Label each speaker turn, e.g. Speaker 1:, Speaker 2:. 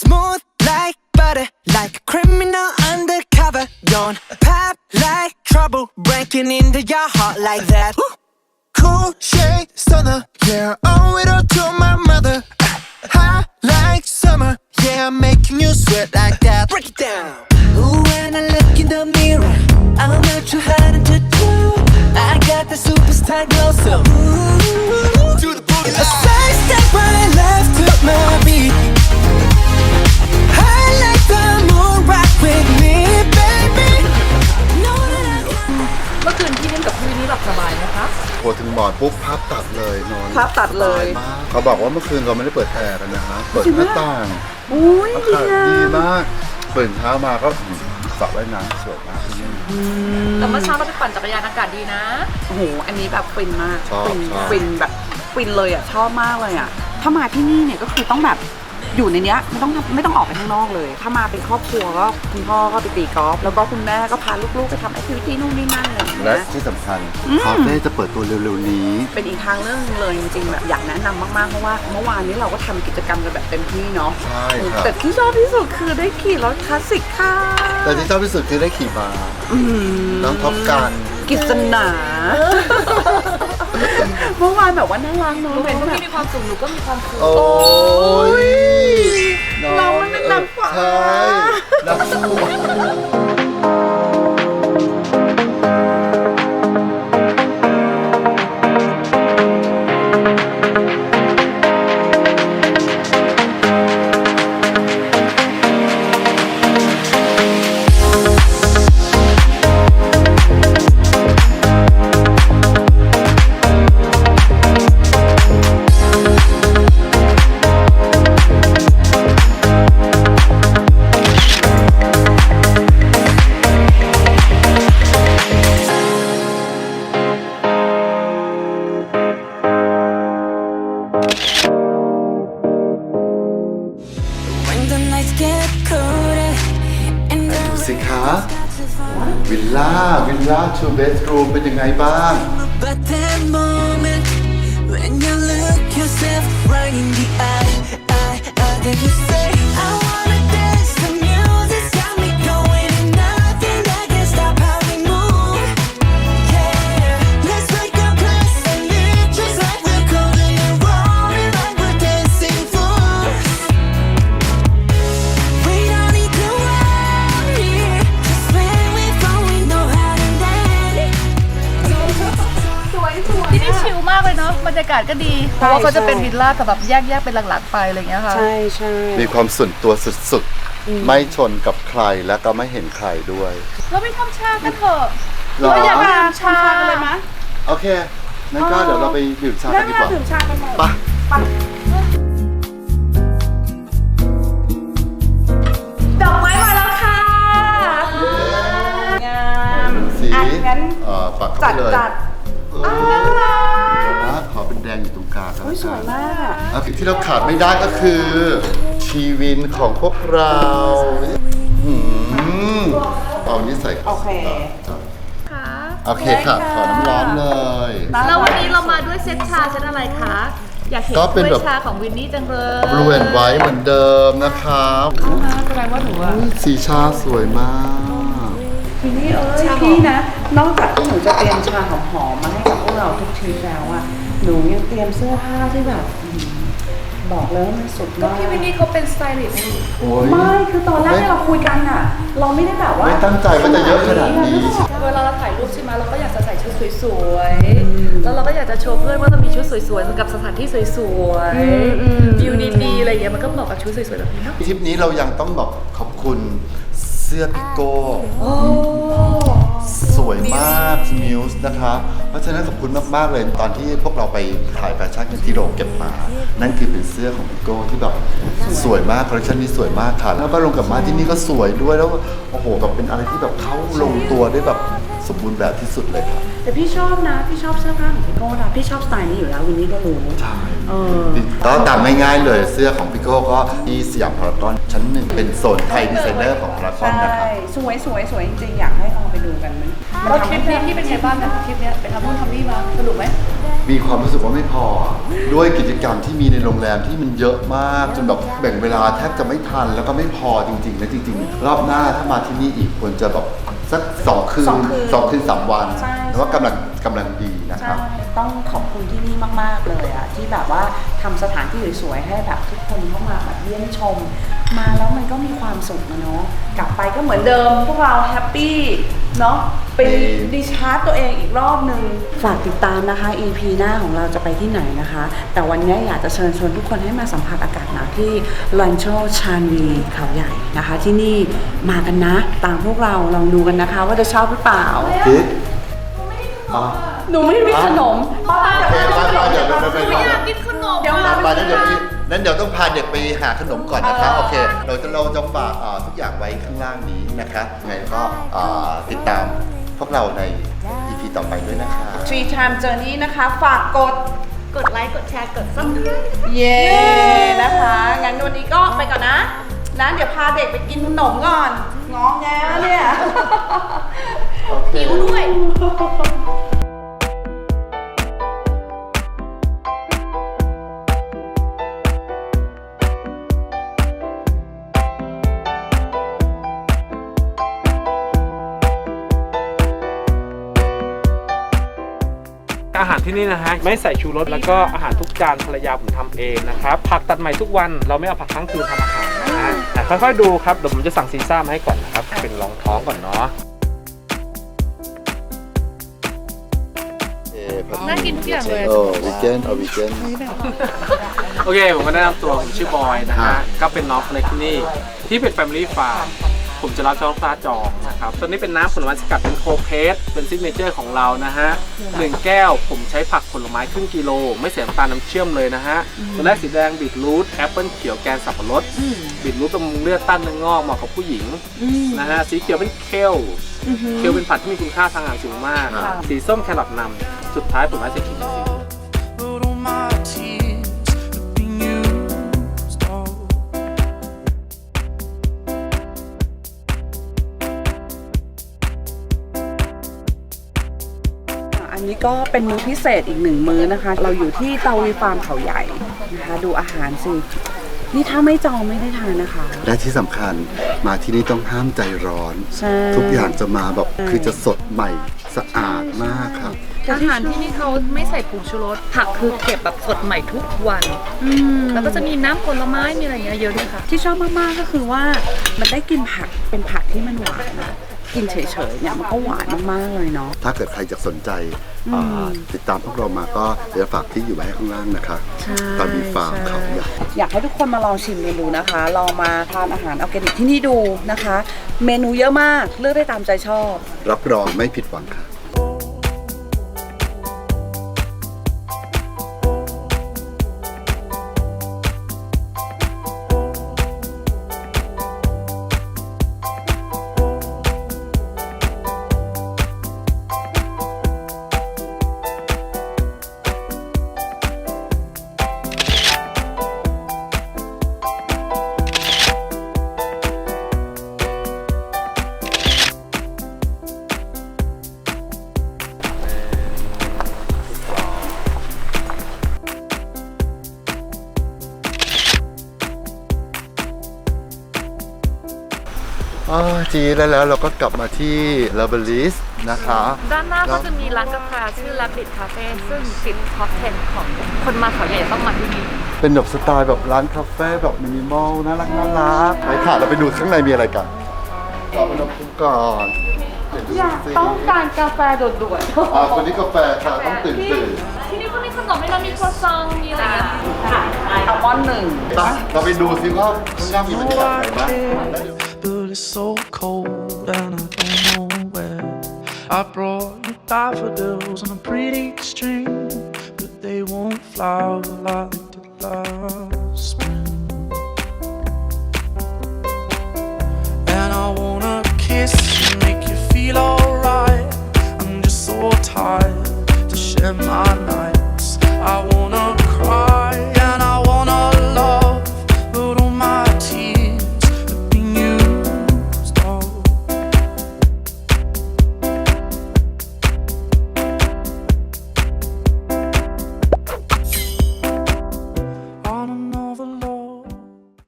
Speaker 1: smooth like butter, like a criminal undercover. Don't pop like trouble, breaking into your heart like that. Cool shade stunner, yeah, owe it all to my mother. High like summer, yeah, I'm making you sweat like that. Break it down. Ooh, when I look in the mirror, I'm not too hard to do. I got the superstar glow, so ooh, do the boogie line. A side step right left to my beat. I like the moon rock with me, baby. Know that I got.
Speaker 2: เมื่อคืนพี่นิ่มกับพี่วินนี่หลับสบายนะคะ
Speaker 3: พอถึงหมอนปุ๊บภาพตัดเลยนอน
Speaker 4: ภาพตัดเลย
Speaker 3: สบามากเขาบอกว่าเมื่อคืนเราไม่ได้เปิดแอร์กันนะฮะเปิดหน้าต่าง
Speaker 4: อุ้ย
Speaker 3: อา
Speaker 4: ดี
Speaker 3: กาศ
Speaker 4: อ่ะ
Speaker 3: ดีมากตื่นเช้ามาก็สระว่ายน้ำสวยมากที่นี่
Speaker 2: แต่เมื่อเช้าเราไปปั่นจักรยานอากาศดีนะ
Speaker 4: โอ้โหอันนี้แบบฟินมาก
Speaker 3: ชอบ
Speaker 4: ฟิน
Speaker 3: ชอบ
Speaker 4: ฟินแบบฟินเลยอ่ะชอบมากเลยอ่ะถ้ามาที่นี่เนี่ยก็คือต้องแบบอยู่ในเนี้ยไม่ต้องออกไปข้างนอกเลย ถ้ามาเป็นครอบครัวก็คุณพ่อก็ไปตีกอล์ฟแล้วก็คุณแม่ก็พาลูกๆไปทำแอคทิวิตี้นู่นนี่นั่นอะไรอย่าง
Speaker 3: และ
Speaker 4: เงี้ย
Speaker 3: ที่สำคัญคาเฟ่จะเปิดตัวเร็วๆนี้
Speaker 4: เป็นอีกทางเรื่องนึงเลยจริงๆแบบอยากแนะนำมากๆเพราะว่าเมื่อวานนี้เราก็ทำกิจกรรมกันแบบเต็มที่เนาะ
Speaker 3: ใช่ครับ
Speaker 4: แต่ที่ชอบที่สุดคือได้ขี่รถคลาสสิกค่ะ
Speaker 3: แต่ที่ชอบที่สุดคือได้ขี่ม้าน้องท็อปกัน
Speaker 4: กิษณาเมื่อวานแบบว่าน่ารักเนาะ
Speaker 2: หนูเห็น
Speaker 4: แบ
Speaker 2: ว่า
Speaker 4: บ
Speaker 2: พี่มีความสุขหนูก็มีความสุข
Speaker 3: โอ้ย
Speaker 4: เรามันเป็นนางฟ้า
Speaker 3: ใช่นางฟ้า
Speaker 1: When the nights get colder and
Speaker 3: ดูสิคะวิลล่า2 bedroom เป็นยังไงบ้าง
Speaker 1: about that moment when you look yourself right in the eye, then you say, I wanna dance. The music's got me going, and nothing that can stop how we move. Yeah, let's make a place and live just like we're golden and rolling like we're dancing fools. We don't need to worry, 'cause when we fall, we know how to land.
Speaker 2: ที่นี่ชิลมากเลยเนาะบรรยากาศก็ดี เพราะว่าเขาจะเป็นวิลล่าแต่แบบแยกเป็นหลังๆไปอะไรอย่างเงี้ยค่ะ
Speaker 4: ใช่ใช่
Speaker 3: มีความส่วนตัวสุดๆ ไม่ชนกับใครและก็ไม่เห็นใครด้วย
Speaker 2: เราไปทำชากันเถอะ
Speaker 3: หรอ
Speaker 2: เราอยากไปทำชา
Speaker 4: กันเลยมะ
Speaker 3: โอเคงั้นก็เดี๋ยวเราไปดื่มชากันดีกว่า
Speaker 4: ดื่มชากันหน่อย
Speaker 3: ไป
Speaker 2: ดอกไม้มาแล้วค่ะ
Speaker 4: งาม
Speaker 3: สี
Speaker 4: อ่ะงั้น
Speaker 3: ปัก
Speaker 4: จั
Speaker 3: เข้า
Speaker 4: ด
Speaker 3: ไปเลย
Speaker 4: จัด
Speaker 3: นะขอเป็นแดงอยู่ตรงกลางกัน
Speaker 4: อุ้ยสวยมาก
Speaker 3: อ่ะที่เราขาดไม่ได้ก็คือ ชีวินของพวกเราเอานี้ใส่
Speaker 4: โอเค
Speaker 2: ค่ะ
Speaker 3: โอเคค่ะ ขอน้ำร้อนเลย
Speaker 2: แล้ววันนี้เรามาด้วยเซตชาเซตอะไรคะ อยากเห็น
Speaker 3: ก็เป็น
Speaker 2: ถ้วย
Speaker 3: แบบ
Speaker 2: ชาของวินนี่จังเลย
Speaker 3: บลูแอนไว้เหมือนเดิมนะครับ
Speaker 2: แสดงว่าหนูอะ
Speaker 3: สีชาสวยมาก
Speaker 4: ทีนี้พี่นะ นอกจากที่หนูจะเตรียมชาหอมๆมาให้กับพวกเราทุกทริปแล้วอะหนูยังเตรียมเสื้อผ้าที่แบบบอกเลยว่ามันสุด
Speaker 2: ก็
Speaker 4: มาก
Speaker 2: พี่วินนี่เขาเป็นสไตลิสต์นี่
Speaker 3: โอ้ย
Speaker 4: ไม่คือตอนแรกที่เราคุยกันอะเราไม่ได้แบบว่า
Speaker 3: ไม่ตั้งใจว่าจะเยอะขนาดนี้
Speaker 2: เวลาเราถ่ายรูปใช่ไหมเราก็อยากจะใส่ชุดสวยๆ แล้วเราก็อยากจะโชว์เพื่อนว่าเรามีชุดสวยๆสำหรับสถานที่สวยๆวิวดีๆอะไรอย่างเงี้ยมันก็เหมาะกับชุดสวยๆแบบนี้เนาะ
Speaker 3: ทริปนี้เรายังต้องบอกขอบคุณเสื้อพิโก้สวยมากมิวส์นะคะ เพราะฉะนั้นขอบคุณมากๆเลยตอนที่พวกเราไปถ่ายแฟชั่นกันที่โรงเก็บมา นั่นคือเป็นเสื้อของพิโก้ที่แบบสวยมากคอลเลคชันนี้สวยมากค่ะแล้วก็ลงกับมาที่นี่ก็สวยด้วยแล้วโอ้โหแบบเป็นอะไรที่แบบเข้าลงตัวได้แบบสมบูรณ์แบบที่สุดเลยค่ะ
Speaker 4: แต่พี่ชอบนะพี่ชอบเสื้อผ้าของพี่โก้นะพี่ชอบสไตล์นี้อยู่แล้ววินนี่ก็รู้
Speaker 3: ใช่
Speaker 4: เออ
Speaker 3: ก็ตามง่ายๆเลยเสื้อของพิโก้ก็ที่สยามพารากอนชั้นหนึ่งเป็นโซนไทยดีไซเนอร์ของพารากอนนะครับ
Speaker 4: ใช่สวยสวยสวยจริงๆอยากให้ลองไปดูกันมัน
Speaker 2: แล้วทริปนี้พี่เป็นไงบ้างนะทริปเนี้ยไปทำนู่นทำนี่มาสนุกไหม
Speaker 3: มีความรู้สึกว่าไม่พอ ด้วยกิจกรรมที่มีในโรงแรมที่มันเยอะมากจนแบบแบ่งเวลาแทบจะไม่ทันแล้วก็ไม่พอจริงๆนะจริงๆรอบหน้าถ้ามาที่นี่อีกควรจะแบบสัก2 คืน 2 คืน 3 วัน
Speaker 4: ใช่
Speaker 3: แล้วว่ากำลังดีนะครับ
Speaker 4: ใช่ต้องขอบคุณที่นี่มากๆเลยอะที่แบบว่าทำสถานที่สวยๆให้แบบทุกคนเข้ามาแบบเยี่ยมชม มาแล้วมันก็มีความสุขนะเนาะกลับไปก็เหมือนเดิมพวกเราแฮปปี้เนาะไปรีชาร์จตัวเองอีกรอบหนึ่งฝากติดตามนะคะ EP หน้าของเราจะไปที่ไหนนะคะ แต่วันนี้อยากจะเชิญชวนทุกคนให้มาสัมผัสอากาศหนาวที่ลันโชชานวีเขาใหญ่นะคะ ที่นี่มากันนะตามพวกเราลองดูกันนะคะ ว่าจะชอบหรือเปล่า
Speaker 3: คิดอ๋อ
Speaker 4: หนูไม่มีขนมป้า
Speaker 3: โอเคไปเดี๋ยวไป
Speaker 2: ไม่อยากกินขนม
Speaker 4: เดี๋ยวมา
Speaker 3: ไปนั้นเดี๋ยวต้องพาเด็กไปหาขนมก่อนนะคะโอเคเราจะฝากทุกอย่างไว้ข้างล่างนี้นะคะไงก็ติดตามพวกเราใน EP ต่อไปด้วยนะคะ
Speaker 4: Three Time Journey นะคะ ฝากกด
Speaker 2: ไลค์กดแชร์กด Subscribe
Speaker 4: เย้นะคะ งั้นวันนี้ก็ไปก่อนนะเดี๋ยวพาเด็กไปกินขนมก่อน งอแงแล้วเนี่ย
Speaker 3: โอเค
Speaker 2: หิวด้วย
Speaker 5: อาหารที่นี่นะฮะไม่ใส่ชูรสแล้วก็อาหารทุกจานภรรยาผมทำเองนะครับผักตัดใหม่ทุกวันเราไม่เอาผักค้างคืนทำอาหารนะฮะค่อยๆดูครับเดี๋ยวผมจะสั่งซีซ่ามาให้ก่อนนะครับเป็นรองท้องก่อนเนาะ
Speaker 2: น่ากินทุกอย่างเลย
Speaker 3: วีเกนวีเกน
Speaker 5: โอเคผมก็แนะนำตัวผมชื่อบอยนะฮะก็เป็นน้องคนเล็กที่นี่ที่เป็น Family Farm ผมจะรับช่องปลาจองนะครับตัวนี้เป็นน้ำผลไม้สกัดเป็นโคเพสเป็นซิกเนเจอร์ของเรานะฮะ1 แก้วผมใช้ผักผลไม้ครึ่งกิโลไม่ใส่น้ำตาลน้ำเชื่อมเลยนะฮะตัวแรกสีแดงบีทรูทแอปเปิลเขียวแกนสับปะรดบีทรูทบำรุงเลือดต้านเนื้องอกเหมาะกับผู้หญิงนะฮะสีเขียวเป็นเคลเป็นผักที่มีคุณค่าทางอาหารสูงมาก สีส้มแครอทนำสุดท้ายผลไม้สีเขียว
Speaker 6: But all my tears have been used all.
Speaker 4: อันนี้ก็เป็นมื้อพิเศษอีก1 มื้อนะคะ เราอยู่ที่เตาวีฟาร์มเขาใหญ่นะคะ ดูอาหารสิ นี่ถ้าไม่จองไม่ได้ทานนะคะ
Speaker 3: และที่สำคัญมาที่นี่ต้องห้ามใจร้อน
Speaker 4: ใช่
Speaker 3: ทุกอย่างจะมาแบบคือจะสดใหม่สะอาดมากครับ
Speaker 2: อาหารที่นี่เขาไม่ใส่ผงชูรสผักคือเก็บแบบสดใหม่ทุกวัน แล้วก็จะมีน้ำผลไม้มีอะไรอย่างเงี้ยเยอะด้วยค่ะ
Speaker 4: ที่ชอบมากๆก็คือว่ามันได้กินผักเป็นผักที่มันหวานนะกินเฉยๆเนี่ยมันก็หวานมากๆเลยเนาะ
Speaker 3: ถ้าเกิดใครจะสนใจติดตามพวกเรามาก็เดี๋ยวฝากที่อยู่ไว้ให้ข้างล่างนะคะ
Speaker 4: ใช่
Speaker 3: ตามมีฟาร์มเขาใหญ่
Speaker 4: อยากให้ทุกคนมาลองชิมเมนูนะคะลองมาทานอาหารออร์แกนิกที่นี่ดูนะคะ เมนูเยอะมากเลือกได้ตามใจชอบ
Speaker 3: รับรองไม่ผิดหวังค่ะ จีแล้วเราก็กลับมาที่ลาเบลิสนะคะ
Speaker 2: ด้านหน้าก็จะมีร้านกาแฟชื่อ Rabbit Cafe ซึ่งติดท็อป 10 ของคนมาเขาใหญ่ต้องมาที่นี่
Speaker 3: เป็นแบบสไตล์แบบร้านคาเฟ่แบบมินิมอลน่ารักไปค่ะเราไปดูข้างในมีอะไรกันต่อไปเราคุยก่อนอยาก
Speaker 4: ต้องการกาแฟด่วนๆ
Speaker 3: คนนี้กาแฟค่ะต้องตื่น
Speaker 2: ที่นี่ก็มีขนมให้เรามีครัวซองมีอะไรอย่างเงี้ย
Speaker 4: อัลมอนด์1
Speaker 3: ไปเราไปดูซิว่าข้างหน้ามีบรรยากาศอะไรบ้าง
Speaker 6: But it's so cold and I don't know where. I brought you daffodils on a pretty string, but they won't flower like they did last